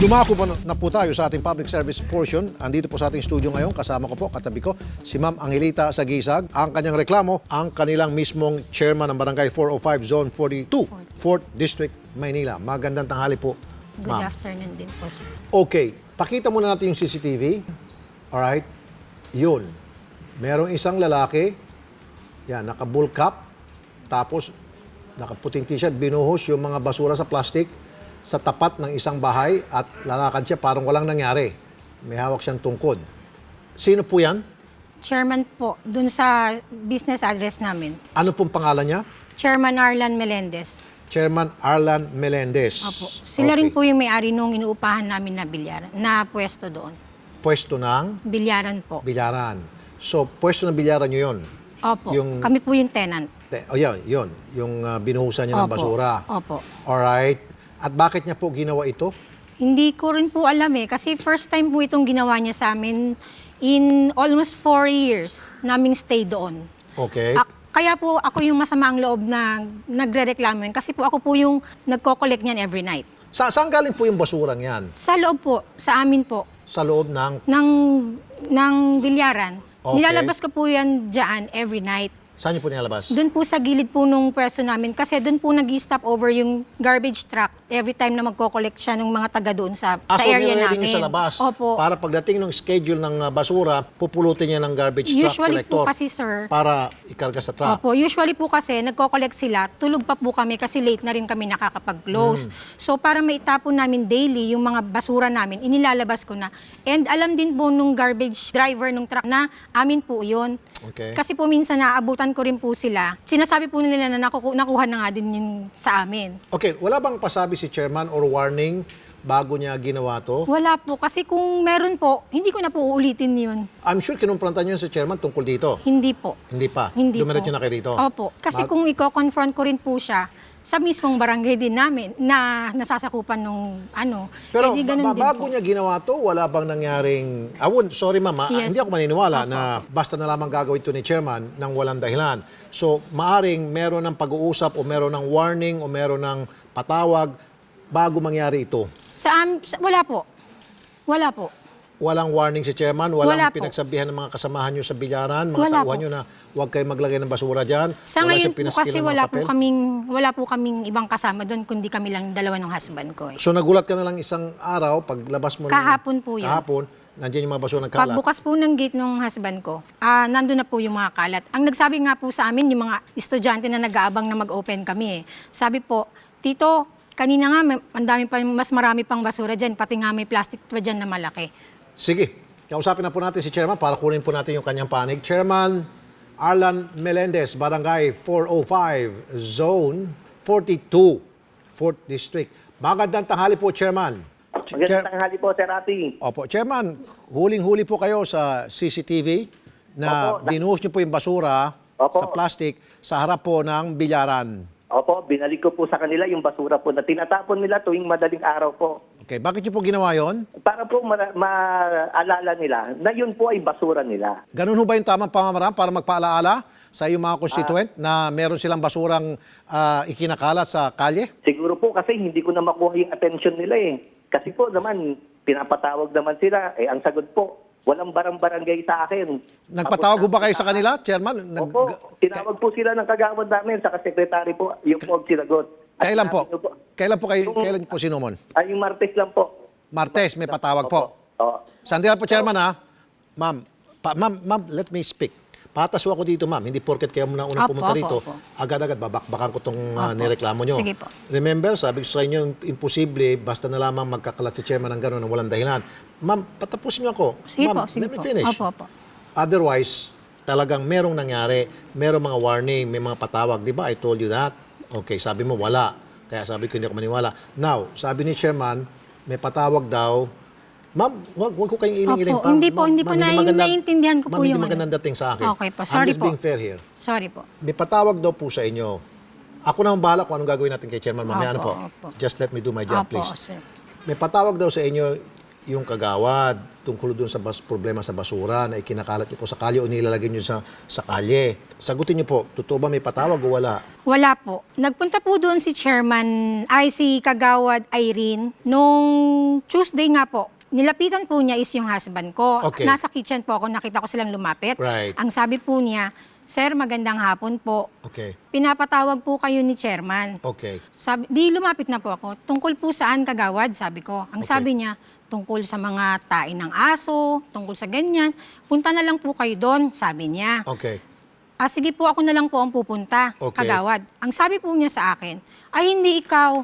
Dumako na po tayo sa ating public service portion. Andito po sa ating studio ngayon, kasama ko po, katabi ko, si Ma'am Angelita Sagisag. Ang kanyang reklamo, ang kanilang mismong chairman ng Barangay 405 Zone 42, 4th District, Maynila. Magandang tanghali po, Good Ma'am. afternoon din po, sir. Okay, pakita muna natin yung CCTV. Alright, yun. Merong isang lalaki, yan, naka-bull cap, tapos nakaputing t-shirt, binuhos yung mga basura sa plastic sa tapat ng isang bahay at lalakad siya parang walang nangyari. May hawak siyang tungkod. Sino po yan? Chairman po, dun sa business address namin. Ano pong pangalan niya? Chairman Arlan Melendez. Chairman Arlan Melendez. Opo. Sila rin po yung may-ari nung inuupahan namin na bilyaran, na pwesto doon. Pwesto ng Bilyaran po. bilyaran. So, pwesto ng bilyaran niyo yun? Opo. Yung- Kami po yung tenant. Yun. Yung binuhusan niya ng Opo. basura. Opo. Alright. At bakit niya po ginawa ito? Hindi ko rin po alam kasi first time po itong ginawa niya sa amin in almost 4 years naming stay doon. Okay. Kaya po ako yung masamaang loob na nagre-reklamo yun kasi po ako po yung nagko-collect niyan every night. Saan galing po yung basurang yan? Sa loob po, sa amin po, Sa loob ng... ng bilyaran. Okay. Nilalabas ko po yan dyan every night. Saan niyo po nilalabas? Doon po sa gilid po nung pwesto namin kasi doon po nag-stop over yung garbage truck every time na magko-collect siya ng mga taga doon sa So area nire-ready namin. niyo sa labas. Opo. Para pagdating ng schedule ng basura, pupulutin niya ng garbage truck Usually collector. po kasi, sir, Para ikarga sa truck. Opo, usually po kasi nagko-collect sila, tulog pa po kami kasi late na rin kami nakakapag-close. So para maitapon namin daily yung mga basura namin, inilalabas ko na. And alam din po nung garbage driver nung truck na amin po yun. Okay. Kasi po minsan naaabutan ko rin po sila. Sinasabi po nila na nakuha na nga din yun sa amin. Okay, wala bang pasabi si chairman or warning bago niya ginawa to? Wala po, kasi kung meron po, hindi ko na po uulitin yun. I'm sure kinumprontan niyo sa chairman tungkol dito. Hindi po. Hindi pa? Hindi Dumiretso po. na kayo rito? Opo. Kasi kung i-confront ko rin po siya, sa mismong barangay din namin na nasasakupan nung Pero di ganun din bago po. niya ginawa to, wala bang nangyaring... sorry mama, Yes. hindi ako maniniwala na basta na lamang gagawin to ni chairman ng walang dahilan. So, maaring meron ng pag-uusap o meron ng warning o meron ng patawag bago mangyari ito. Wala po. Wala po. Walang warning si chairman, walang Wala po. pinagsabihan ng mga kasamahan nyo sa bilyaran, mga Wala tauhan po. nyo na huwag kayo maglagay ng basura dyan. Sa wala ngayon siyang po pinaskilan kasi ng papel. wala po kaming ibang kasama doon kundi kami lang dalawa ng husband ko. So nagulat ka na lang isang araw, paglabas mo Kahapon po yun. Kahapon, nandiyan yung mga basura nagkalat. Pagbukas po ng gate ng husband ko, nandun na po yung mga kalat. Ang nagsabi nga po sa amin, yung mga estudyante na nag-aabang na mag-open kami. Sabi po, Tito, kanina nga, mas marami pang basura dyan, pati nga may plastic pa dyan na malaki. Sige, kausapin na po natin si Chairman para kunin po natin yung kanyang panig. Chairman Arlan Melendez, Barangay 405, Zone 42, 4th District. Magandang tanghali po, Chairman. Magandang tanghali po, Sir Rafi. Opo, Chairman, huling-huli po kayo sa CCTV na Opo. binuhos niyo po yung basura Opo. sa plastic sa harap po ng bilyaran. Opo, binalik ko po sa kanila yung basura po na tinatapon nila tuwing madaling araw po. Okay, bakit niyo po ginawa yon? Para po maalala nila na yun po ay basura nila. Ganun ho ba yung tamang pamamaraan para magpaalaala sa iyong mga constituent na meron silang basurang ikinakalat sa kalye? Siguro po kasi hindi ko na makuha yung attention nila eh. Kasi po naman, pinapatawag naman sila. Ang sagot po, walang barang-barangay sa akin. Nagpatawag ho ba kayo sa kanila, Chairman? Opo, tinawag po sila ng kagawad namin, sa sekretary po, yung po ang sinagot. At Kailan po? sinabi ko Kailan po sinumon? Yung Martes lang po. Martes, may patawag po. Oo. Sandila po, Chairman, ha? Ma'am, let me speak. Patas ho ako dito, ma'am. Hindi porket kayo muna unang Opo, pumunta opo, rito, opo. agad-agad babakbakan ko itong Opo. nireklamo nyo. Sige po. Remember, sabi ko sa inyo, imposible, basta na lamang magkakalat si Chairman ng gano'n ng walang dahilan. Ma'am, patapusin niyo ako. Sige Ma'am, po, sige let me po. finish. Opo, opo. Otherwise, talagang merong nangyari, merong mga warning, may mga patawag. Di ba? I told you that. Okay, sabi mo, wala. Kaya sabi ko, hindi ako maniwala. Now, sabi ni Chairman, may patawag daw. Ma'am, wag ko kayong iling-iling Opo, pa. hindi po, Ma'am, hindi po naiintindihan ko po ma'am, hindi yung magandang dating sa akin. Okay po, I'm sorry just po. being fair here. Sorry po. May patawag daw po sa inyo. Ako na ang bahala kung anong gagawin natin kay Chairman mamaya. Ano po? Opo, opo. Just let me do my job, Opo, please. sir. May patawag daw sa inyo yung kagawad tungkol doon sa problema sa basura na ikinakalat niyo po sa kalye o nilalagay niyo sa kalye. Sagutin niyo po, totoo ba may patawag o wala? Wala po. Nagpunta po doon si si Kagawad Irene, nung Tuesday nga po. Nilapitan po niya is yung husband ko. Okay. Nasa kitchen po ako, nakita ko silang lumapit. Right. Ang sabi po niya, Sir, magandang hapon po. Okay. Pinapatawag po kayo ni chairman. Okay. Sabi, di lumapit na po ako. Tungkol po saan, Kagawad? Sabi ko. Ang Okay. sabi niya, tungkol sa mga tain ng aso, tungkol sa ganyan. Punta na lang po kayo doon, sabi niya. Okay. Sige po, ako na lang po ang pupunta, Okay. Kagawad. Ang sabi po niya sa akin, ay hindi ikaw,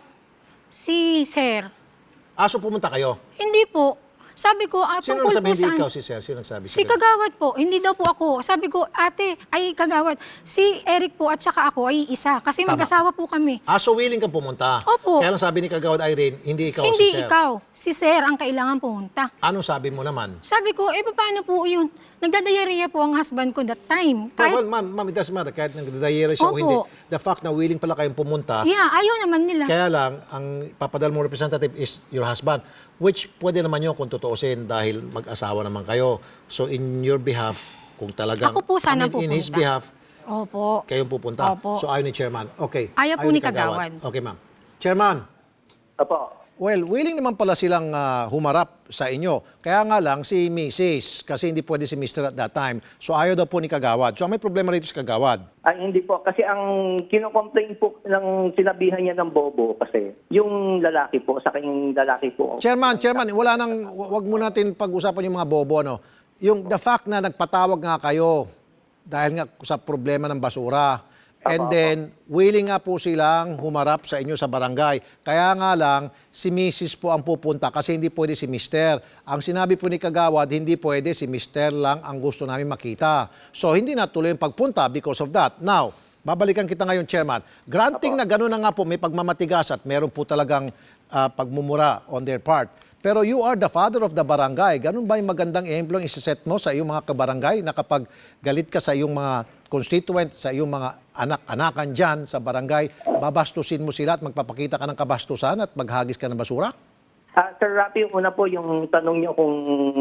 si Sir. Aso pumunta kayo? Hindi po. Sabi ko, Sino tungkol nagsabi po hindi saan? ikaw si Sir? Sino nagsabi? Si Kagawad po, hindi daw po ako. Sabi ko, ate, ay Kagawad, si Eric po at saka ako ay isa. Kasi Tama. mag-asawa po kami. Aso willing ka pumunta? Opo. Kaya lang sabi ni Kagawad Irene, hindi ikaw Hindi si Sir. ikaw, si Sir ang kailangan pumunta. Anong sabi mo naman? Sabi ko, paano po yun? Nagdadayariya po ang husband ko that time. Well, ma'am, it doesn't matter. Kahit nagdadayera siya o Opo. hindi. The fact na willing pala kayong pumunta, Yeah, ayaw naman nila. kaya lang, ang papadal mo representative is your husband, which pwede naman yun kung tutuusin dahil mag-asawa naman kayo. So in your behalf, kung talagang, Ako po sana in his pupunta. behalf, Opo. kayong pupunta. Opo. So ayaw ni Chairman. Okay. Ayaw po ni Kagawad. Okay, ma'am. Chairman, Opo. well, willing naman pala silang humarap sa inyo. Kaya nga lang si Mrs. kasi hindi pwede si Mr. at that time. So ayaw daw po ni Kagawad. So may problema rito si Kagawad. Ay, hindi po. Kasi ang kinocomplain po ng sinabihan niya ng bobo kasi yung lalaki po, sa kanyang lalaki po. Chairman, wala nang, wag mo natin pag-usapan yung mga bobo, ano. Yung the fact na nagpatawag nga kayo dahil nga sa problema ng basura. And then, willing nga po silang humarap sa inyo sa barangay. Kaya nga lang, si Mrs. po ang pupunta kasi hindi pwede si Mr. Ang sinabi po ni Kagawad, hindi pwede si Mr. lang ang gusto namin makita. So, hindi natuloy yung pagpunta because of that. Now, babalikan kita ngayon, Chairman. Granting na gano'n na nga po, may pagmamatigas at meron po talagang pagmumura on their part. Pero you are the father of the barangay. Ganun ba yung magandang ehemplo ang isiset mo sa iyong mga kabarangay na kapag galit ka sa iyong mga constituent, sa iyong mga anak-anakan dyan sa barangay, babastusin mo sila at magpapakita ka ng kabastusan at maghagis ka ng basura? Sir Rapi, una po yung tanong niyo kung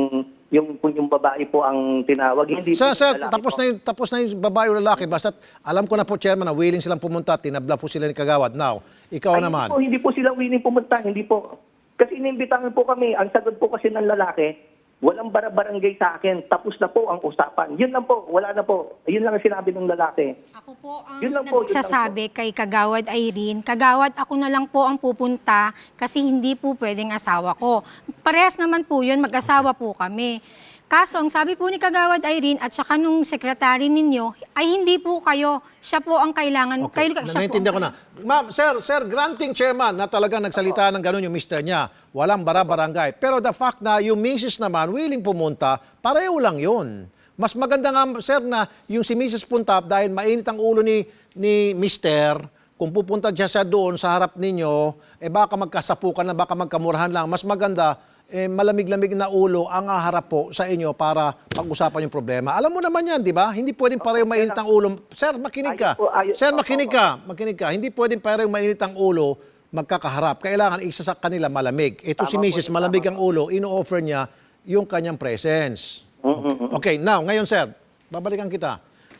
yung babae po ang tinawag. Hindi po Sir, yung lalaki tapos na yung babae o lalaki. Basta alam ko na po, Chairman, na willing silang pumunta, tinabla po sila ni Kagawad. Now, ikaw Ay, naman. Hindi po sila willing pumunta. Hindi po. Kasi inimbitahan po kami. Ang sagot po kasi ng lalaki, walang barangay sa akin. Tapos na po ang usapan. Yun lang po. Wala na po. Yun lang ang sinabi ng lalaki. Ako po ang Yun lang po, yun lang nagsasabi kay Kagawad Irene, Kagawad, ako na lang po ang pupunta kasi hindi po pwedeng asawa ko. Parehas naman po yun, mag-asawa po kami. Kaso, ang sabi po ni Kagawad Irene at saka nung sekretary ninyo, ay hindi po kayo, siya po ang kailangan. Okay, naintindihan ko na. Ma'am, sir, granting chairman na talagang nagsalita ng gano'n yung mister niya. Walang barangay. Pero the fact na yung Mrs. naman willing pumunta, pareho lang yun. Mas maganda nga, sir, na yung si Mrs. punta dahil mainit ang ulo ni mister, kung pupunta siya doon sa harap ninyo, baka magkasapukan na, baka magkamurahan lang. Mas maganda, malamig-lamig na ulo ang haharap po sa inyo para pag-usapan yung problema. Alam mo naman yan, di ba? Hindi pwedeng pareho mainit ang ulo. Sir, makinig ka. Sir, makinig ka. Hindi pwedeng pareho mainit ang ulo, magkakaharap. Kailangan isa sa kanila malamig. Ito si Mrs. malamig ang ulo, ino-offer niya yung kanyang presence. Okay, now, ngayon sir, babalikan kita.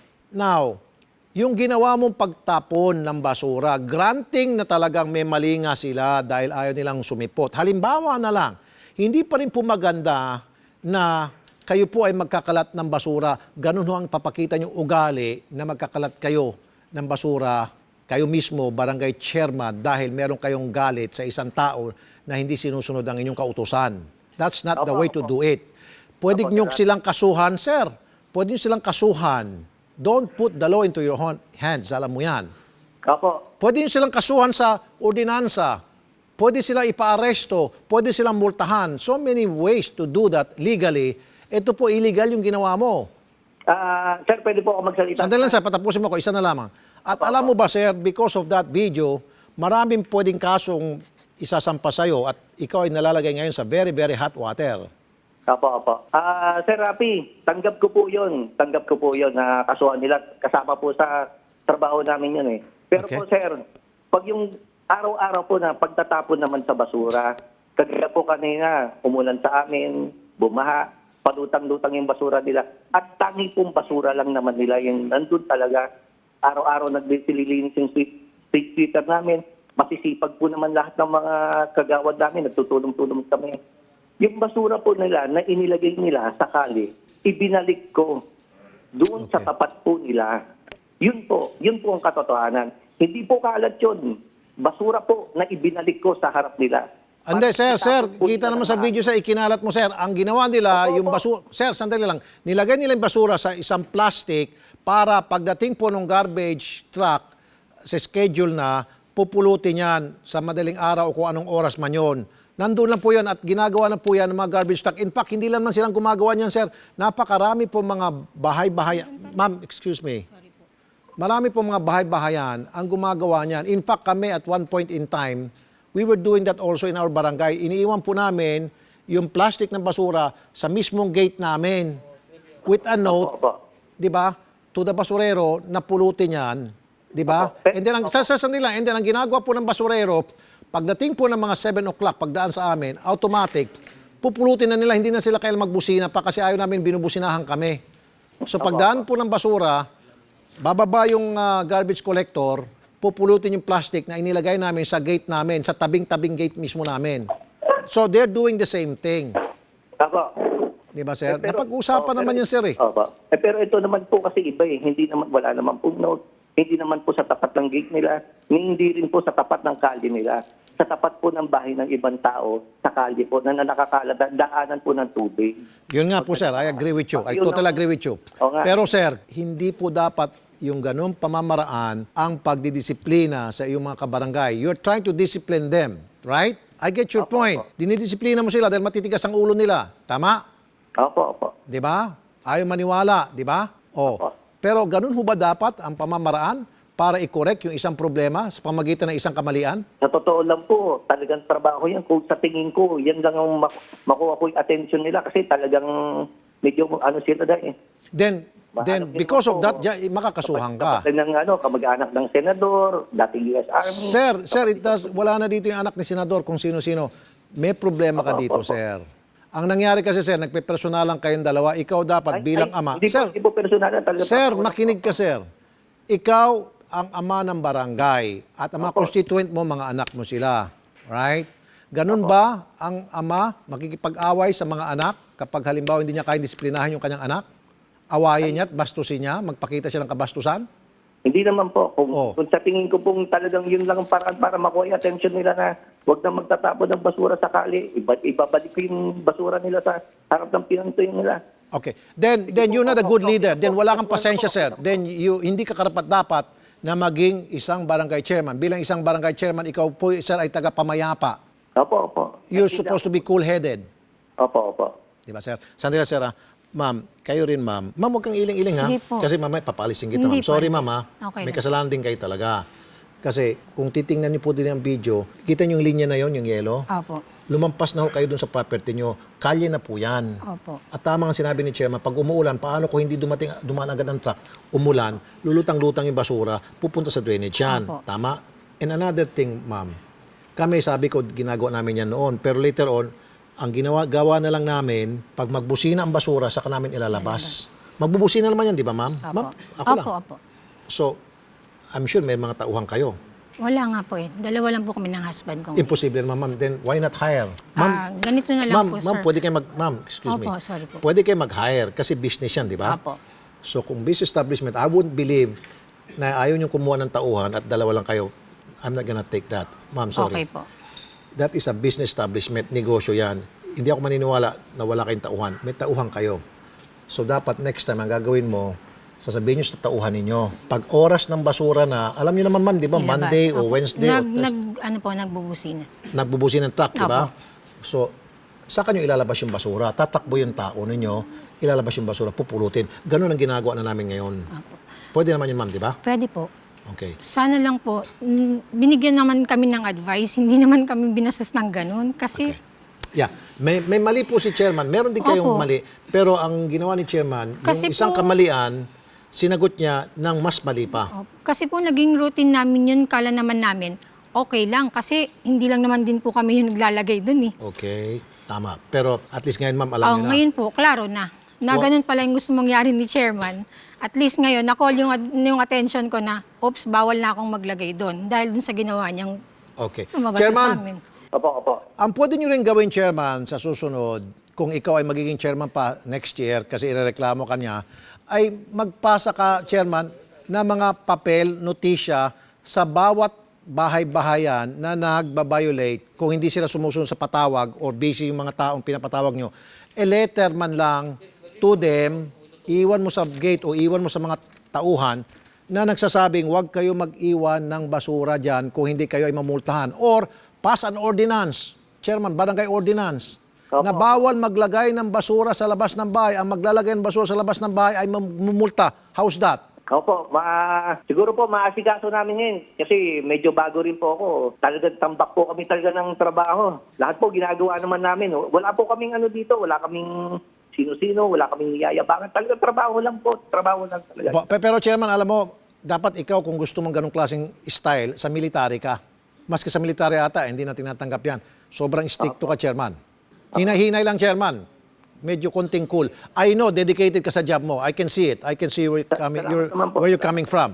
Now, yung ginawa mong pagtapon ng basura, granting na talagang may mali nga sila dahil ayaw nilang sumipot. Halimbawa na lang, hindi pa rin po maganda na kayo po ay magkakalat ng basura. Ganun ho ang papakita niyong ugali na magkakalat kayo ng basura, kayo mismo, barangay chairman, dahil meron kayong galit sa isang tao na hindi sinusunod ang inyong kautusan. That's not the way to do it. Pwede niyo silang kasuhan, sir. Pwede niyo silang kasuhan. Don't put the law into your hands. Alam mo yan. Opo. Pwede niyo silang kasuhan sa ordinansa. Pwede silang ipa-aresto, pwede silang multahan. So many ways to do that legally. Ito po illegal yung ginawa mo. Sir, pwede po ako magsalita. Sandali lang sir, patapusin mo ko, isa na lamang. At alam mo ba sir, because of that video, maraming pwedeng kasong isasampa sa'yo at ikaw ay nalalagay ngayon sa very, very hot water. Opo. Sir Rapi, tanggap ko po yun. Tanggap ko po yun na kasuhan nila. Kasama po sa trabaho namin yun eh. Pero Okay. po sir, pag yung araw-araw po na pagtatapon naman sa basura, Kagaya po kanina, umulan sa amin, bumaha, palutang-lutang yung basura nila. At tangi pong basura lang naman nila yung nandun talaga. Araw-araw nagsililinis yung street sweeper namin. Masisipag po naman lahat ng mga kagawad namin, nagtutulong-tulong kami. Yung basura po nila na inilagay nila sa kali, ibinalik ko doon sa Okay. tapat po nila. Yun po ang katotohanan. Hindi po kalat yun. Basura po na ibinalik ko sa harap nila. Ande, sir, Tapos po kita nila naman sa lahat. video, sir, ikinalat mo, sir. Ang ginawa nila, Opo, yung opo. basura, sir, sandali lang, nilagay nila yung basura sa isang plastic para pagdating po ng garbage truck sa schedule na, pupulutin yan sa madaling araw o kung anong oras man yun. Nandun lang po yan at ginagawa na po yan ng mga garbage truck. In fact, hindi lang man silang gumagawa niyan, sir. Napakarami po mga bahay-bahay. Ma'am, excuse me. Marami po mga bahay-bahayan ang gumagawa niyan. In fact, kami at one point in time, we were doing that also in our barangay. Iniiwan po namin yung plastic ng basura sa mismong gate namin with a note, Opo. di ba, to the basurero na pulutin yan. Di ba? Opo. And then, ang ginagawa po ng basurero, pagdating po ng mga 7 o'clock, pagdaan sa amin, automatic, pupulutin na nila, hindi na sila kailangang magbusina pa kasi ayaw namin binubusinahan kami. So pagdaan po ng basura, bababa yung garbage collector, pupulutin yung plastic na inilagay namin sa gate namin, sa tabing-tabing gate mismo namin. So they're doing the same thing. Opo. Di ba, sir? Pero- Napag-usapan pero- naman yan, sir, eh. Opo. Pero ito naman po kasi iba eh. Hindi naman, wala naman po note. Hindi naman po sa tapat ng gate nila. Hindi rin po sa tapat ng kalye nila. Sa tapat po ng bahay ng ibang tao, sa kalye po, na nakakalat, daanan po ng tubig. Yun nga po, sir. I agree with you. I totally agree with you. Oo nga. Pero, sir, hindi po dapat yung ganung pamamaraan ang pagdidisiplina sa iyong mga kabarangay. You're trying to discipline them, right? I get your point. Dinidisiplina mo sila dahil matitigas ang ulo nila. Tama? Opo, opo. Di ba? Ayaw maniwala, di ba? Oh. Opo. Pero ganun ho ba dapat ang pamamaraan para i-correct yung isang problema sa pamagitan ng isang kamalian? Sa totoo lang po, talagang trabaho yan. Kung sa tingin ko, yan lang ang makuha ko yung attention nila kasi talagang medyo ano sila dahil. Then Mahanap din because of ako. that, makakasuhan ka. Kapatid ng kamag-anak ng senador, dating US Army. Sir, wala na dito yung anak ni senador kung sino-sino. May problema ka dito, sir. Ang nangyari kasi, sir, nagpe-personalan kayong dalawa. Ikaw dapat bilang ama. Hindi Sir, po personal. Talaga sir, makinig ka, sir. Ikaw ang ama ng barangay at ang mga constituent mo, mga anak mo sila. Right? Ganun ba ang ama makikipag-away sa mga anak kapag halimbawa hindi niya kayang disiplinahan yung kanyang anak? Awayin niya at bastusin niya? Magpakita siya ng kabastusan? Hindi naman po. Oh. Kung sa tingin ko pong talagang yun lang ang paraan para makuha yung attention nila na huwag na magtatapon ng basura sa kali. Ibabalik ko yung basura nila sa harap ng pinantoy nila. Okay. Then you're not a good leader. Then wala kang pasensya, sir. Then hindi ka karapat-dapat na maging isang barangay chairman. Bilang isang barangay chairman, ikaw po, sir, ay taga-pamayapa. Opo, opo. You're supposed to be cool-headed. Opo, opo. Di ba, sir? Sandali, sir, ma'am, kayo rin, ma'am. Ma'am, huwag kang iling-iling, ha? Sige po. Kasi mamaya papalisin kita, Hindi ma'am. Sorry, po. ma'am, ha? Okay May lang. kasalanan din kayo talaga. Kasi kung titingnan niyo po din ang video, kita niyo yung linya na yon, yung yellow? Opo. Lumampas na ho kayo dun sa property niyo. Kalye na po yan. Opo. At tama ang sinabi ni Chairman, pag umuulan, paano kung hindi dumaan agad ang truck, umulan, lulutang-lutang yung basura, pupunta sa drainage yan. Opo. Tama? And another thing, ma'am, kami, sabi ko, ginagawa namin yan noon. Pero later on, ang gawa na lang namin, pag magbusina ang basura, saka namin ilalabas. Magbubusina naman yan, di ba, ma'am? Opo. Ma'am, ako lang. Opo. So, I'm sure may mga tauhan kayo. Wala nga po eh. Dalawa lang po kami ng husband ko. Imposible naman, ma'am. Then, why not hire? Ma'am, Ganito na lang po, sir. Ma'am, pwede kayo ma'am, excuse me. Opo, sorry po. Pwede kayo mag-hire kasi business yan, di ba? Opo. So, kung business establishment, I wouldn't believe na ayaw niyong kumuha ng tauhan at dalawa lang kayo. I'm not gonna take that. Ma'am, sorry. Okay po. That is a business establishment, negosyo yan. Hindi ako maniniwala na wala kayong tauhan. May tauhan kayo. So, dapat next time, ang gagawin mo, sasabihin nyo sa tauhan ninyo. Pag oras ng basura na, alam niyo naman, ma'am, di ba, Ilabas. Monday o Opo. Wednesday, Nagbubusina. nagbubusin ng truck, di ba? Opo. So, saan nyo ilalabas yung basura? Tatakbo yung tao ninyo, ilalabas yung basura, pupulutin. Ganun ang ginagawa na namin ngayon. Opo. Pwede naman yun, ma'am, di ba? Pwede po. Okay. Sana lang po, binigyan naman kami ng advice, hindi naman kami binastos ng ganun. Kasi, Yeah. May mali po si Chairman. Meron din kayong Opo. mali. Pero ang ginawa ni Chairman, Kasi yung isang po- kamalian, sinagot niya ng mas mali pa. kasi po naging routine namin yun, kala naman namin, okay lang kasi hindi lang naman din po kami yung naglalagay dun eh. Okay, tama. Pero at least ngayon, ma'am, alam niyo na. Ngayon po, klaro na. Na ganun pala yung gusto mangyari ni chairman. At least ngayon, na-call yung attention ko na, oops, bawal na akong maglagay doon dahil dun sa ginawa niyang Okay. lumabas sa Chairman, amin. Opo. ang pwede nyo rin gawin, Chairman, sa susunod, kung ikaw ay magiging chairman pa next year kasi irereklamo ka niya, ay magpasa ka, Chairman, na mga papel, notisya sa bawat bahay-bahayan na nagbabiolate kung hindi sila sumusunod sa patawag or busy yung mga taong pinapatawag nyo. A letter man lang to them, iwan mo sa gate o iwan mo sa mga tauhan na nagsasabing huwag kayo mag-iwan ng basura dyan kung hindi kayo ay mamultahan. Or pass an ordinance, Chairman, barangay ordinance, Opo. na bawal maglagay ng basura sa labas ng bahay. Ang maglalagay ng basura sa labas ng bahay ay mamumulta. How's that? Opo, siguro po maasikaso namin ngayon kasi medyo bago rin po ako. Talagang tambak po kami talaga ng trabaho. Lahat po ginagawa naman namin. Wala po kaming ano dito, wala kaming sino-sino, wala kaming yayabangan. Talagang trabaho lang po, trabaho lang talaga. Pero Chairman, alam mo, dapat ikaw kung gusto mong ganong klaseng style, sa military ka. Maski sa military ata, hindi na tinatanggap yan. Sobrang stricto ka, Chairman. Hinay-hinay lang, Chairman. Medyo konting cool. I know, dedicated ka sa job mo. I can see it. I can see where you're coming from.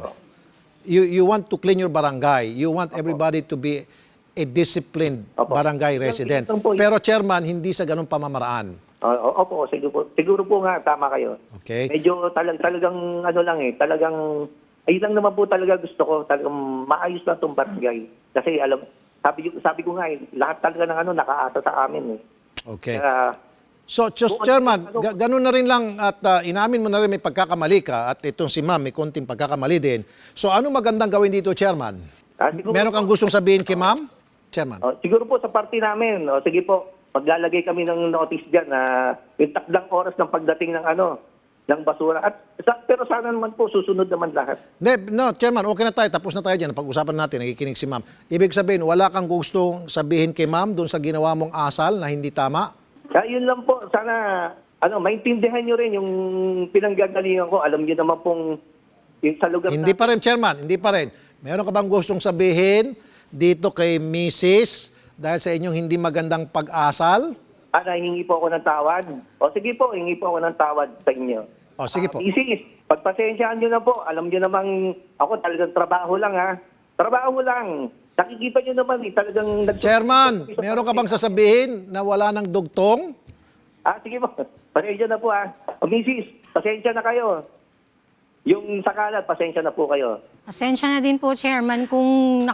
You want to clean your barangay. You want everybody to be a disciplined barangay resident. Pero, Chairman, hindi sa ganong pamamaraan. Opo, siguro po nga, tama kayo. Okay. Medyo talagang ano lang talagang, ayun lang naman po talaga gusto ko, talagang maayos lang itong barangay. Kasi sabi ko nga lahat talaga ng nakaasa sa amin Okay. Kaya, So, Chairman, ganun na rin lang at inamin mo na rin may pagkakamali ka at itong si Ma'am may konting pagkakamali din. So, ano magandang gawin dito, Chairman? siguro Meron kang gustong sabihin kay Ma'am? Chairman. siguro po sa party namin, sige po, maglalagay kami ng notice dyan na yung takdang oras ng pagdating ng ng basura. Pero sana naman po, susunod naman lahat. No, Chairman, okay na tayo. Tapos na tayo dyan. Pag-usapan natin, nakikinig si Ma'am. Ibig sabihin, wala kang gustong sabihin kay Ma'am doon sa ginawa mong asal na hindi tama? Kaya yun lang po, sana maintindihan nyo rin yung pinanggagalingan ko. Alam nyo naman pong yung sa lugar Hindi pa rin, Chairman. Hindi pa rin. Meron ka bang gustong sabihin dito kay Mrs. dahil sa inyong hindi magandang pag-asal? Hingi po ako ng tawad. O sige po, hingi po ako ng tawad sa inyo. O, sige po. Isis, pagpasensyaan nyo na po. Alam nyo namang ako talagang trabaho lang Trabaho lang. Nakikita nyo naman talagang... Chairman, meron ka bang sasabihin na wala ng dugtong? Sige po. Pasensya na po O Mrs., pasensya na kayo. Yung sa kalat, pasensya na po kayo. Pasensya na din po, Chairman, kung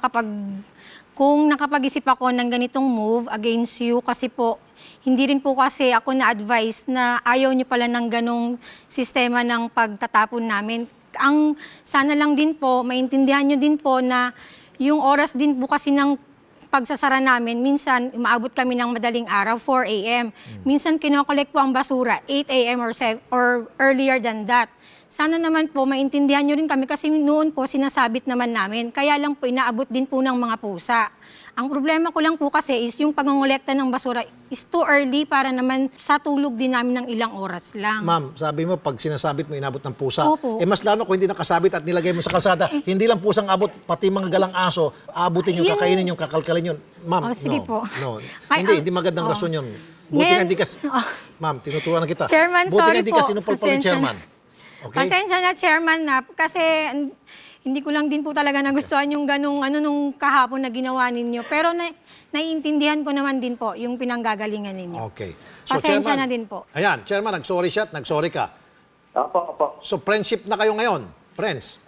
nakapag-isip ako ng ganitong move against you kasi po, hindi rin po kasi ako na-advise na ayaw niyo pala ng ganong sistema ng pagtatapon namin. Ang sana lang din po, maintindihan niyo din po na yung oras din po kasi ng pagsasara namin, minsan umaabot kami ng madaling araw, 4 a.m. Minsan kinokollect po ang basura, 8 a.m. or earlier than that. Sana naman po maintindihan nyo rin kami kasi noon po sinasabit naman namin. Kaya lang po inaabot din po ng mga pusa. Ang problema ko lang po kasi is yung pangongolekta ng basura is too early para naman sa tulog din namin ng ilang oras lang. Ma'am, sabi mo pag sinasabit mo inabot ng pusa. Opo. Mas lalo kung hindi nakasabit at nilagay mo sa kalsada, hindi lang pusang abot, pati mga galang aso, abutin yung kakainin yung kakalkalin yun. Ma'am, sige no. po. No. Ay, Hindi magandang rason yun. Buti Ngayon- nga hindi kasi, Ma'am, tinuturuan na kita. Chairman, Buti nga sorry hindi po. kasi sinupal ni Pasensya Chairman. Okay? Pasensya na, Chairman, na kasi hindi ko lang din po talaga nagustuhan yung ganung nung kahapon na ginawa ninyo. Pero naiintindihan ko naman din po yung pinanggagalingan ninyo. Okay. Pasensya Chairman, na din po. Ayan, Chairman, nag-sorry siya at nag-sorry ka. Opo. So, friendship na kayo ngayon. Friends.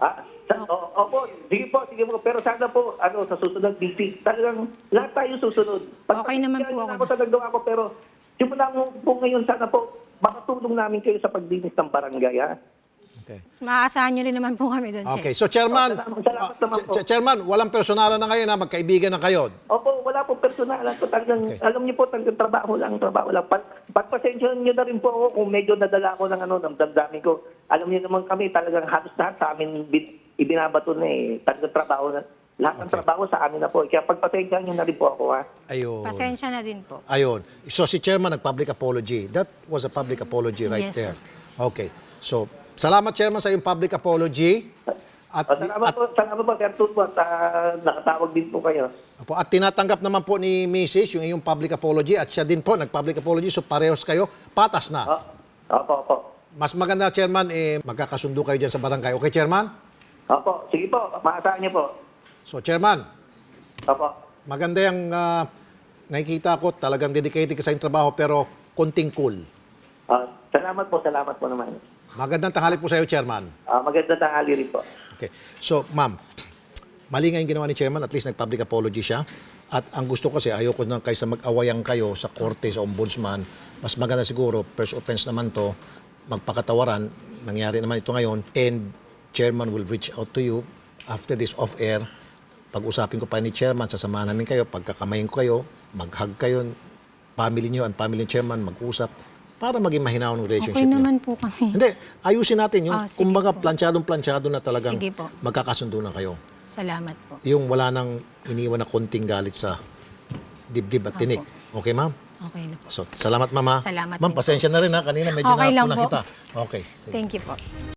Opo, sige po. Pero sana po, sa susunod meeting, talagang lahat tayo susunod. Okay naman po ako. Ako sa nagawa ko, pero simula po ngayon, sana po, makatulong namin kayo sa paglinis ng barangay, Okay. Maaasahan nyo rin naman po kami doon, Okay. So, Chairman, Salamat naman po. Chairman, walang personalan na ngayon na magkaibigan na kayo. Opo, wala po personal. Talagang, Okay. alam niyo po, talagang trabaho lang. Pagpasensyahan niyo na rin po ako kung medyo nadala ako ng damdamin ko. Alam niyo naman kami, talagang halos lahat sa amin ibinabato na Talagang trabaho na. Lahat ng trabaho sa amin na po. Kaya pagpasensyahan niyo na rin po ako, Ayun. Pasensya na din po. Ayun. So si Chairman nag-public apology. That was a public apology right Yes, there. Okay. So, salamat Chairman sa iyong public apology. At Salamat po, Sir Tulfo, at nakatawag din po kayo. Opo, at tinatanggap naman po ni Mrs. yung iyong public apology at siya din po nag-public apology, so parehos kayo, patas na. Opo. Mas maganda, Chairman, magkakasundo kayo dyan sa barangay. Okay, Chairman? Opo, sige po, maasahan niyo po. So, Chairman, Opo. maganda yung nakikita ko, talagang dedicated ka sa iyong trabaho, pero konting cool. Salamat po naman. Magandang tanghali po sa iyo, Chairman. Maganda tanghali rin po. Okay. So, ma'am, mali nga yung ginawa ni Chairman, at least nag-public apology siya. At ang gusto ko kasi, ayoko na kaysa mag-awayan kayo sa korte, sa ombudsman, mas maganda siguro, first offense naman to, magpakatawaran, nangyari naman ito ngayon, and Chairman will reach out to you after this off-air. Pag-usapin ko pa ni Chairman, sasamahan namin kayo, pagkakamayin ko kayo, mag-hug kayo, family niyo and family ni Chairman, mag-usap, para maging mahinaw ng relationship Okay niyo. naman po kami. Hindi, ayusin natin yung Sige kumbaga po. planchadong-planchado na talagang Sige po. magkakasundo na kayo. Salamat po. Yung wala nang iniwan na konting galit sa dibdib at tinik. Okay, ma'am? Okay na po. So, salamat, ma'am. Ha? Salamat Ma'am, din po. pasensya na rin ha. Kanina medyo Okay lang napunan po. kita. Okay. Sige. Thank you po.